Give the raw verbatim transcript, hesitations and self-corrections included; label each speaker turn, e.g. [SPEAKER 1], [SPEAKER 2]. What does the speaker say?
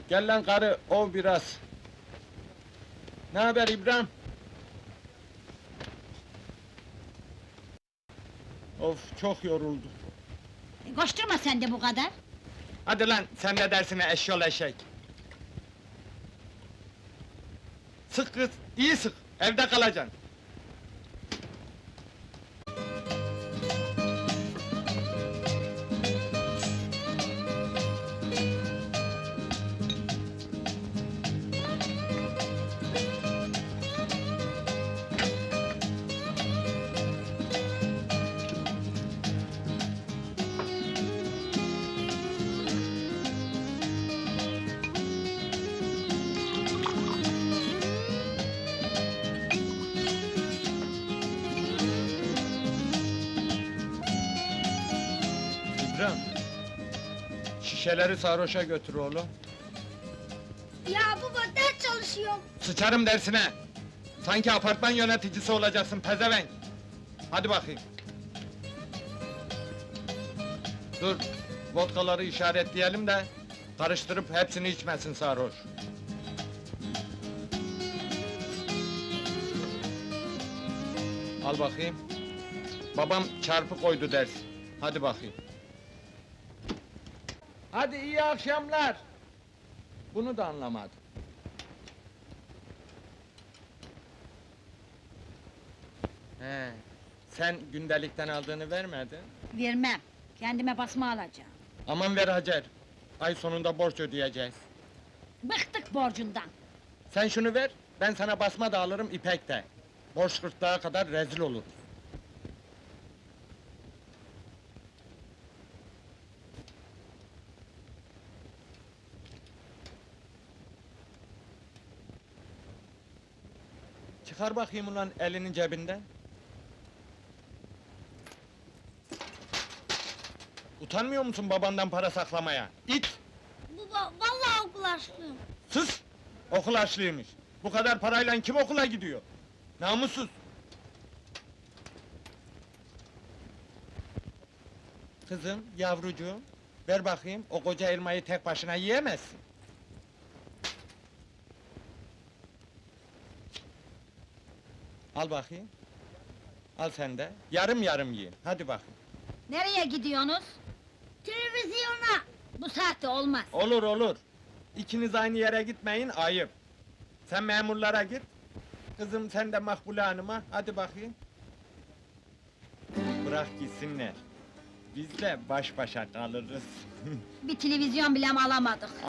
[SPEAKER 1] Gel lan karı, ov biraz. Ne haber İbrahim? Of, çok yoruldu.
[SPEAKER 2] E, Koşturma sen de bu kadar.
[SPEAKER 1] Hadi lan, sen ne dersine eşyol eşek? Sık kız, iyi sık, evde kalacaksın. İbrahim, şişeleri sarhoşa götür oğlum.
[SPEAKER 3] Ya baba ders çalışıyorum.
[SPEAKER 1] Sıçarım dersine! Sanki apartman yöneticisi olacaksın pezevenk! Hadi bakayım! Dur, vodkaları işaretleyelim de... ...karıştırıp hepsini içmesin sarhoş! Al bakayım! Babam çarpı koydu ders! Hadi bakayım! Hadi iyi akşamlar! Bunu da anlamadım. He, sen gündelikten aldığını vermedin.
[SPEAKER 2] Vermem. Kendime basma alacağım.
[SPEAKER 1] Aman ver Hacer, ay sonunda borç ödeyeceğiz.
[SPEAKER 2] Bıktık borcundan.
[SPEAKER 1] Sen şunu ver, ben sana basma da alırım, ipek de. Borç gırtlağa kadar rezil oluruz. Çıkar bakayım ulan elinin cebinden. Utanmıyor musun babandan para saklamaya? İt!
[SPEAKER 3] Baba vallahi okul açtım.
[SPEAKER 1] Sus! Okul açlıymış. Bu kadar parayla kim okula gidiyor? Namussuz! Kızım, yavrucuğum, ver bakayım, o koca elmayı tek başına yiyemezsin. Al bakayım. Al sen de, yarım yarım yiyin, hadi bakayım.
[SPEAKER 2] Nereye gidiyorsunuz?
[SPEAKER 3] Televizyona.
[SPEAKER 2] Bu saatte olmaz.
[SPEAKER 1] Olur olur. İkiniz aynı yere gitmeyin, ayıp. Sen memurlara git. Kızım sen de Makbule Hanım'a, hadi bakayım. Bırak gitsinler. Biz de baş başa kalırız.
[SPEAKER 2] Bir televizyon bile alamadık.